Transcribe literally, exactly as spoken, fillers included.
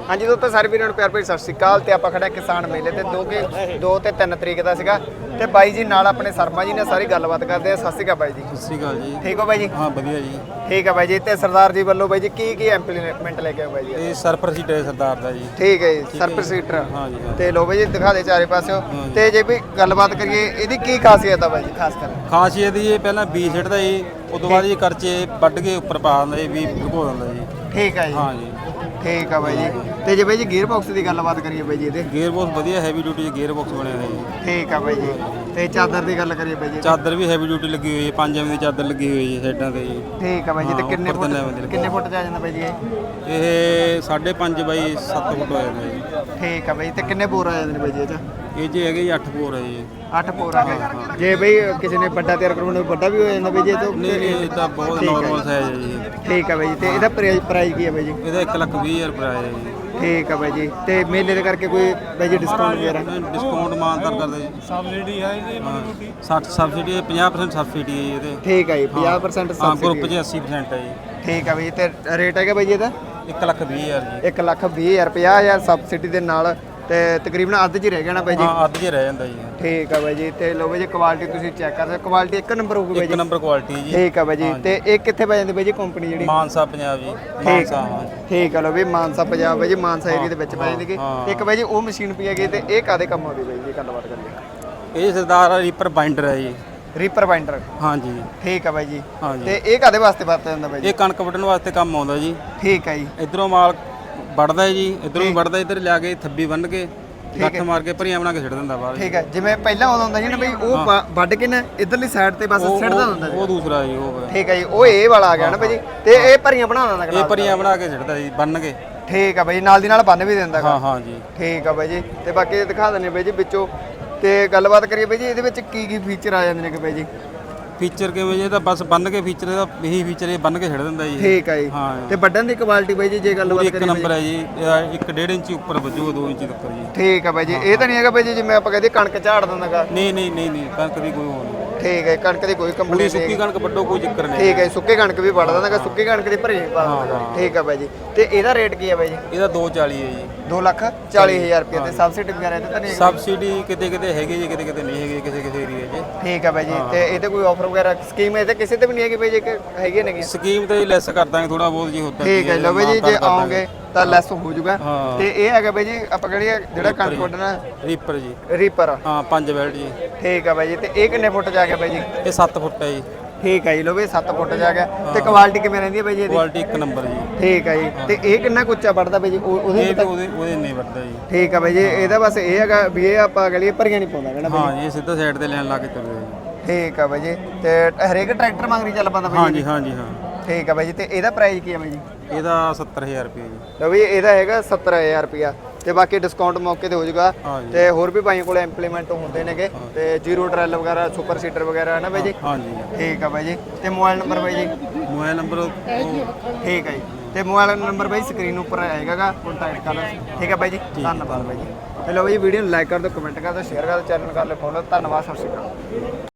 हाँ जी दोस्तों सारे वीरों प्यार भरी सत श्री अकाल ते आपां खड़े किसान मेले ते दो के दो ते तीन तरीक दा सीगा ते बाई जी नाल अपने शर्मा जी ने सारी गलबात करते हैं। सत श्री अकाल बाई जी। सत श्री अकाल जी। ठीक हो बाई जी? हाँ बढ़िया जी। ठीक है बाई जी। ते सरदार जी वालों बाई जी की की इंप्लीमेंट लेके आए बाई जी? ये सरपर सीट है सरदार दा जी। ठीक है जी सरपर सीटर। हाँ जी हाँ। ते लो बाई जी दिखा दे चारे पासों ते जे भी गलबात करिए इहदी की खासियत है बाई जी खास कर? खासियत ये पहला बीज सिੱਟਦਾ जी ਉਸ ਤੋਂ ਬਾਅਦ ਇਹ ਕਰਚੇ ਵੱਢ ਕੇ ਉੱਪਰ ਪਾ ਦਿੰਦਾ ਜੀ ਵੀ ਭਿਗੋ ਦਿੰਦਾ ਜੀ। ठीक है जी। हाँ जी ठीक है बाई जी। ਤੇ ਜੇ ਬਾਈ ਜੀ ਗੀਅਰ ਬਾਕਸ ਦੀ ਗੱਲਬਾਤ ਕਰੀਏ ਬਾਈ ਜੀ ਇਹਦੇ? ਗੇਅਰ ਬਾਕਸ ਵਧੀਆ ਹੈਵੀ ਡਿਊਟੀ ਗੇਅਰ ਬਾਕਸ ਬਣਿਆ ਹੋਇਆ ਜੀ। ਠੀਕ ਹੈ ਬਾਈ ਜੀ। ਤੇ ਚਾਦਰ ਦੀ ਗੱਲ ਕਰੀਏ ਬਾਈ ਜੀ? ਚਾਦਰ ਵੀ ਹੈਵੀ ਡਿਊਟੀ ਲੱਗੀ ਹੋਈ ਹੈ ਪੰਜ ਐਮ ਦੀ ਚਾਦਰ ਲੱਗੀ ਹੋਈ ਹੈ ਸਾਈਡਾਂ ਤੇ ਜੀ। ਠੀਕ ਹੈ ਬਾਈ ਜੀ। ਤੇ ਹਾਂ, ਕਿੰਨੇ ਉੱਪਰ ਤਿੰਨ ਐਮ ਦੀ ਫੁੱਟ ਲੱਗੀ। ਕਿੰਨੇ ਫੁੱਟ ਚ ਆ ਜਾਂਦਾ ਬਾਈ ਜੀ ਇਹ? ਇਹ ਸਾਢੇ ਪੰਜ ਬਾਈ ਸੱਤ ਫੁੱਟ ਹੋ ਜਾਂਦਾ ਜੀ। ਠੀਕ ਹੈ ਬਾਈ। ਤੇ ਕਿੰਨੇ ਬੋਰ ਆ ਜਾਂਦੇ ਨੇ ਬਾਈ ਜੀ ਇਹ ਚ? ਇਹ ਜੀ ਹੈਗੇ ਜੀ ਅੱਠ ਬੋਰ ਹੈ ਜੀ। ਅੱਠ ਬੋਰ ਆ ਗਏ। ਜੇ ਬਈ ਕਿਸੇ ਨੇ ਵੱਡਾ ਤਿਆਰ ਕਰਵਾਉਣਾ ਵੱਡਾ ਵੀ ਹੋ ਜਾਂਦਾ ਬਾਈ ਜੀ ਇਹ ਤੋਂ? ਨਹੀਂ ਨਹੀਂ ਇਹ ਤਾਂ ਬਹੁਤ ਨਾਰਮਲ ਸਾਈਜ਼ ਹੈ ਜੀ। ਠੀਕ ਹੈ ਬਾਈ ਜੀ। ਤੇ ਇਹਦਾ ਪ੍ਰਾਈਸ ਕੀ ਹੈ ਬਾਈ ਜੀ? ਇਹਦਾ ਇੱਕ ਲੱਖ ਵੀਹ ਹਜ਼ਾਰ ਰੁਪਏ ਹੈ ਜੀ। ਠੀਕ ਹੈ ਬਾਈ ਜੀ। ਤੇ ਮੇਲੇ ਦੇ ਕਰਕੇ ਕੋਈ ਬਾਈ ਜੀ ਡਿਸਕਾਊਂਟ ਵਗੈਰਾ? ਡਿਸਕਾਊਂਟ ਮਾਨਤਾਰ ਕਰਦੇ ਜੀ। ਸਬਸਿਡੀ ਹੈ ਜੀ ਹਾਂ ਸੱਠ ਸਬਸਿਡੀ ਪੰਜਾਹ ਪਰਸੈਂਟ ਸਬਸਿਡੀ ਹੈ ਜੀ ਇਹਦੇ। ਠੀਕ ਹੈ ਜੀ ਪੰਜਾਹ ਪਰਸੈਂਟ ਹਾਂ ਗਰੁੱਪ ਸਬਸਿਡੀ। 'ਚ ਅੱਸੀ ਪਰਸੈਂਟ ਹੈ ਜੀ। ਠੀਕ ਹੈ ਬਾਈ ਜੀ। ਤੇ ਰੇਟ ਹੈਗਾ ਬਾਈ ਜੀ ਇਹਦਾ? ਇੱਕ ਲੱਖ ਵੀਹ ਹਜ਼ਾਰ ਜੀ। ਇੱਕ ਲੱਖ ਵੀਹ ਹਜ਼ਾਰ ਪੰਜਾਹ ਹਜ਼ਾਰ ਸਬਸਿਡੀ ਦੇ ਨਾਲ ਤੇ ਤਕਰੀਬਨ ਅੱਧ 'ਚ ਹੀ ਰਹਿ ਜਾਣਾ ਬਾਈ ਜੀ। ਹਾਂ ਅੱਧ 'ਚ ਰਹਿ ਜਾਂਦਾ ਜੀ। ਠੀਕ ਹੈ ਬਾਈ ਜੀ। ਤੇ ਲੋ ਬਾਈ ਜੀ ਕੁਆਲਿਟੀ ਤੁਸੀਂ ਚੈੱਕ ਕਰ ਸਕਦੇ ਕੁਆਲਿਟੀ ਇੱਕ ਨੰਬਰ ਹੋਊਗੀ ਬਾਈ ਇੱਕ ਜੀ। ਨੰਬਰ ਕੁਆਲਿਟੀ ਜੀ। ਠੀਕ ਹੈ ਬਾਈ ਜੀ। ਤੇ ਇਹ ਕਿੱਥੇ ਪੈ ਜਾਂਦੀ ਬਾਈ ਜੀ ਕੰਪਨੀ ਜਿਹੜੀ? ਮਾਨਸਾ ਪੰਜਾਬ ਜੀ। ਠੀਕ ਮਾਨਸਾ ਹਾਂ ਜੀ। ਠੀਕ ਹੈ ਲੋ ਵੀ ਮਾਨਸਾ ਪੰਜਾਬ ਬਾਈ ਜੀ ਮਾਨਸਾ ਏਰੀਆ ਦੇ ਵਿੱਚ ਪੈ ਜਾਂਦੀ ਗੀ। ਹਾਂ। ਤੇ ਇੱਕ ਬਾਈ ਜੀ ਉਹ ਮਸ਼ੀਨ ਪਈ ਹੈਗੀ ਤੇ ਇਹ ਕਾਦੇ ਕੰਮ ਆਉਂਦੀ ਬਾਈ ਜੀ ਗੱਲਬਾਤ ਕਰੀਏ? ਇਹ ਸਰਦਾਰ ਰੀਪਰ ਬਾਈਂਡਰ ਹੈ ਜੀ। Reaper binder. ਹਾਂ ਜੀ। ਠੀਕ ਹੈ ਬਾਈ ਜੀ। ਹਾਂ ਜੀ। ਤੇ ਇਹ ਕਾਦੇ ਵਾਸਤੇ ਵਰਤਿਆ ਜਾਂਦਾ ਬਾਈ ਜੀ? ਇਹ ਕਣਕ ਵੱਢਣ ਵਾਸਤੇ ਕੰਮ ਆਉਂਦਾ ਜੀ। ਠੀਕ ਹੈ ਜੀ। ਇਧਰੋਂ ਮਾਲ ਵੱਢਦਾ ਹੈ ਜੀ ਇਧਰੋਂ ਵੀ ਵੱਢਦਾ ਇੱਧਰ ਲਿਆ ਕੇ ਥੱਬੀ ਬੰਨ ਕੇ ਗੱਠ ਮਾਰ ਕੇ ਭਰੀਆਂ ਬਣਾ ਕੇ ਛੱਡ ਦਿੰਦਾ ਬਾਹਰ। ਠੀਕ ਹੈ ਜਿਵੇਂ ਪਹਿਲਾਂ ਉਦੋਂ ਹੁੰਦਾ ਸੀ ਨਾ ਬਈ ਉਹ ਵਾ- ਵੱਢ ਕੇ ਨਾ ਇਧਰਲੀ ਸਾਈਡ ਤੇ ਬਸ ਉਹ- ਸਿੱਟਦਾ ਉਹ- ਹੁੰਦਾ ਸੀ। ਉਹ ਦੂਸਰਾ ਜੀ ਉਹ ਹੈ। ਠੀਕ ਹੈ ਜੀ ਉਹ ਇਹ ਵਾਲਾ ਆ ਗਿਆ ਨਾ ਬਾਈ ਜੀ। ਤੇ ਇਹ ਭਰੀਆਂ ਬਣਾ ਦਿੰਦਾ ਇਹ ਕਨਾਲ? ਭਰੀਆਂ ਬਣਾ ਕੇ ਛੱਡਦਾ ਜੀ ਬੰਨ ਕੇ। ਠੀਕ ਹੈ ਬਾਈ ਜੀ ਨਾਲ ਦੀ ਨਾਲ ਬੰਨ ਵੀ ਦਿੰਦਾ ਗਾ। ਹਾਂ ਹਾਂ ਜੀ। ਠੀਕ ਆ ਬਾਈ ਜੀ। ਤੇ ਬਾਕੀ ਦਿਖਾ ਦਿੰਦੇ ਬਾਈ ਜੀ ਵਿੱਚੋਂ ਤੇ ਗੱਲਬਾਤ ਕਰੀਏ ਬਾਈ ਜੀ ਇਹਦੇ ਵਿੱਚ ਕੀ ਕੀ ਫੀਚਰ ਆ ਜਾਂਦੇ ਨੇ ਕਿ ਬਾਈ ਜੀ? ਫੀਚਰ ਕਿਵੇਂ ਜੀ ਇਹ ਤਾਂ ਬਸ ਬੰਨ ਕੇ ਫੀਚਰ ਇਹਦਾ ਇਹੀ ਫੀਚਰ ਇਹ ਬੰਨ ਕੇ ਛੱਡ ਦਿੰਦਾ ਜੀ। ਠੀਕ ਆ ਜੀ। ਹਾਂ ਤੇ ਵੱਢਣ ਦੀ ਕੁਆਲਿਟੀ ਬਾਈ ਜੀ ਜੇ ਗੱਲਬਾਤ ਇੱਕ ਕਰੀਏ ਨੰਬਰ ਹੈ ਜੀ ਇਹਦਾ ਇੱਕ ਡੇਢ ਇੰਚੀ ਉੱਪਰ ਵੱਜੂ ਦੋ ਇੰਚੀ ਤੱਕ ਜੀ। ਠੀਕ ਆ ਬਾਈ ਜੀ। ਇਹ ਤਾਂ ਨਹੀਂ ਹੈਗਾ ਬਾਈ ਜੀ ਜਿਵੇਂ ਆਪਾਂ ਕਹਦੇ ਕਣਕ ਝਾੜ ਦਿੰਦਾਗਾ? ਨਹੀਂ ਨਹੀਂ ਨਹੀਂ ਨਹੀਂ ਕਣਕ ਦੀ ਕੋਈ ਉਹ ਨਹੀਂ। ਠੀਕ ਹੈ ਕਣਕ ਦੀ ਕੋਈ ਪੂਰੀ ਕੰਪਨੀ ਸੁੱਕੀ ਨਹੀਂ। ਕਣਕ ਵੱਢੋ ਕੋਈ ਚੱਕਰ ਨਹੀਂ। ਠੀਕ ਹੈ ਸੁੱਕੀ ਕਣਕ ਵੀ ਵੱਢ ਦਿੰਦਾਗਾ ਸੁੱਕੀ ਕਣਕ ਦੀ ਭਰੀ ਪਾ ਦਿੰਦਾਗਾ। ਠੀਕ ਆ ਬਾਈ ਜੀ। ਤੇ ਇਹਦਾ ਰੇਟ ਕੀ ਆ ਬਾਈ ਜੀ? ਇਹਦਾ ਦੋ ਚਾਲੀ ਹੈ ਜੀ। ਦੋ ਲੱਖ ਚਾਲੀ ਹਜ਼ਾਰ ਰੁਪਏ ਤੇ ਸਬਸਿਡੀ ਵਗੈਰਾ ਇਹਦੇ ਤਾਂ ਨਹੀਂ ਹੈਗੀ? ਸਬਸਿਡੀ ਕਿਤੇ ਕਿਤੇ ਹੈਗੀ ਜੀ ਕਿਤੇ ਕਿਤੇ ਨਹੀਂ ਹੈਗੀ ਕਿਸੇ ਕਿਸੇ ਏਰੀਆ 'ਚ। ਠੀਕ ਆ ਬਾਈ ਜੀ। ਤੇ ਇਹਦੇ ਕੋਈ ਆਫਰ ਵਗੈਰਾ ਸਕੀਮ ਇਹਦੇ ਕਿਸੇ ਤੇ ਵੀ ਨਹੀਂ ਹੈਗੀ ਬਾਈ ਜੀ ਕਿ ਹੈਗੀ ਨਹੀਂ? ਸਕੀਮ ਤੇ ਲੈਸ ਕਰ ਦਾਂਗੇ ਥੋੜਾ ਬਹੁਤ ਜੀ ਹੁੰਦਾ। ਠੀਕ ਹੈ ਲਓ ਬਾਈ ਜੀ ਜੇ ਆਓਗੇ ਤਾਂ ਲੈਸ ਹੋ ਜਾਊਗਾ। ਹਾਂ। ਤੇ ਇਹ ਹੈਗਾ ਬਾਈ ਜੀ ਆਪਾਂ ਕਹਿੰਦੇ ਜਿਹੜਾ ਕਣਕ ਵੱਢਣਾ ਰੀਪਰ ਜੀ। ਰੀਪਰ। ਹਾਂ ਪੰਜ ਬੈਲਟ ਜੀ। ਠੀਕ ਆ ਬਾਈ ਜੀ। ਤੇ ਇਹ ਕਿੰਨੇ ਫੁੱਟ ਜਾ ਗਿਆ ਬਾਈ ਜੀ? ਇਹ ਸੱਤ ਫੁੱਟ ਹੈ ਜੀ। ਠੀਕ ਹੈ ਜੀ ਲੋ ਵੀ ਸੱਤ ਫੁੱਟ ਜਾ ਗਿਆ। ਤੇ ਕੁਆਲਿਟੀ ਕਿਵੇਂ ਰਹਿੰਦੀ ਹੈ ਬਾਈ ਜੀ ਇਹਦੀ? ਕੁਆਲਿਟੀ ਇੱਕ ਨੰਬਰ ਜੀ। ਠੀਕ ਹੈ ਜੀ। ਤੇ ਇਹ ਕਿੰਨਾ ਕੁ ਉੱਚਾ ਵੱਢਦਾ ਬਾਈ ਜੀ ਉਹ- ਉਹਦੇ ਇਹ ਵੀ ਵੀ ਤਾਂ- ਉਹਦੇ ਉਹਦੇ ਨਹੀਂ ਵੱਧਦਾ ਜੀ। ਠੀਕ ਆ ਬਾਈ ਜੀ। ਇਹਦਾ ਬਸ ਇਹ ਹੈਗਾ ਵੀ ਇਹ ਆਪਾਂ ਗਲੀਏ ਭਰੀਆਂ ਨਹੀਂ ਪਾਉਂਦਾ ਕਹਿੰਦਾ ਬਾਈ ਹਾਂ ਜੀ ਇਹ ਸਿੱਧਾ ਸਾਈਡ ਤੇ ਲੈਣ ਲਾ ਕੇ ਚੱਲਦਾ ਜੀ। ਠੀਕ ਆ ਬਾਈ ਜੀ। ਤੇ ਹਰੇਕ ਟਰੈਕਟਰ ਮੰਗਰੀ ਚੱਲ ਪਾਉਂਦਾ ਬਾਈ ਹਾਂ ਜੀ? ਜੀ ਹਾਂ ਜੀ ਹਾਂ। ਠੀਕ ਆ ਬਾਈ ਜੀ। ਤੇ ਇਹਦਾ ਪ੍ਰਾਈਸ ਕੀ ਹੈ ਬਾਈ ਜੀ? ਇਹਦਾ ਸੱਤਰ ਹਜ਼ਾਰ ਰੁਪਏ ਜੀ। ਲਓ ਵੀ ਇਹਦਾ ਹੈਗਾ ਸੱਤਰ ਹਜ਼ਾਰ ਰੁਪਿਆ ਤੇ ਬਾਕੀ ਡਿਸਕਾਊਂਟ ਮੌਕੇ ਤੇ ਹੋ ਜਾਊਗਾ। ਹਾਂ ਜੀ। ਤੇ ਹੋਰ ਵੀ ਬਾਈਆਂ ਕੋਲ ਇੰਪਲੀਮੈਂਟ ਹੁੰਦੇ ਨੇਗੇ ਤੇ ਜ਼ੀਰੋ ਟਰੈਲ ਵਗੈਰਾ ਸੁਪਰ ਸੀਟਰ ਵਗੈਰਾ ਹੈ ਨਾ ਬਾਈ ਜੀ? ਹਾਂ ਜੀ। ਠੀਕ ਆ ਬਾਈ ਜੀ। ਤੇ ਮੋਬਾਈਲ ਨੰਬਰ ਬਾਈ ਜੀ? ਮੋਬਾਈਲ ਨੰਬਰ ਉਹ ਠੀਕ ਹੈ ਜੀ। ਤੇ ਮੋਬਾਈਲ ਨੰਬਰ ਬਾਈ ਸਕਰੀਨ ਉੱਪਰ ਆਏਗਾ ਕੰਟੈਕਟ ਕਰ ਲਓ। ਠੀਕ ਹੈ ਬਾਈ ਜੀ। ਧੰਨਵਾਦ ਬਾਈ ਜੀ। ਤੇ ਲਓ ਬਾਈ ਵੀਡੀਓ ਨੂੰ ਲਾਈਕ ਕਰ ਦਿਓ ਕਮੈਂਟ ਕਰ ਦਿਓ ਸ਼ੇਅਰ ਕਰ ਦਿਓ ਚੈਨਲ ਕਰ ਲਓ ਫੋਲੋ। ਧੰਨਵਾਦ ਸਤਿ ਸ਼੍ਰੀ ਅਕਾਲ।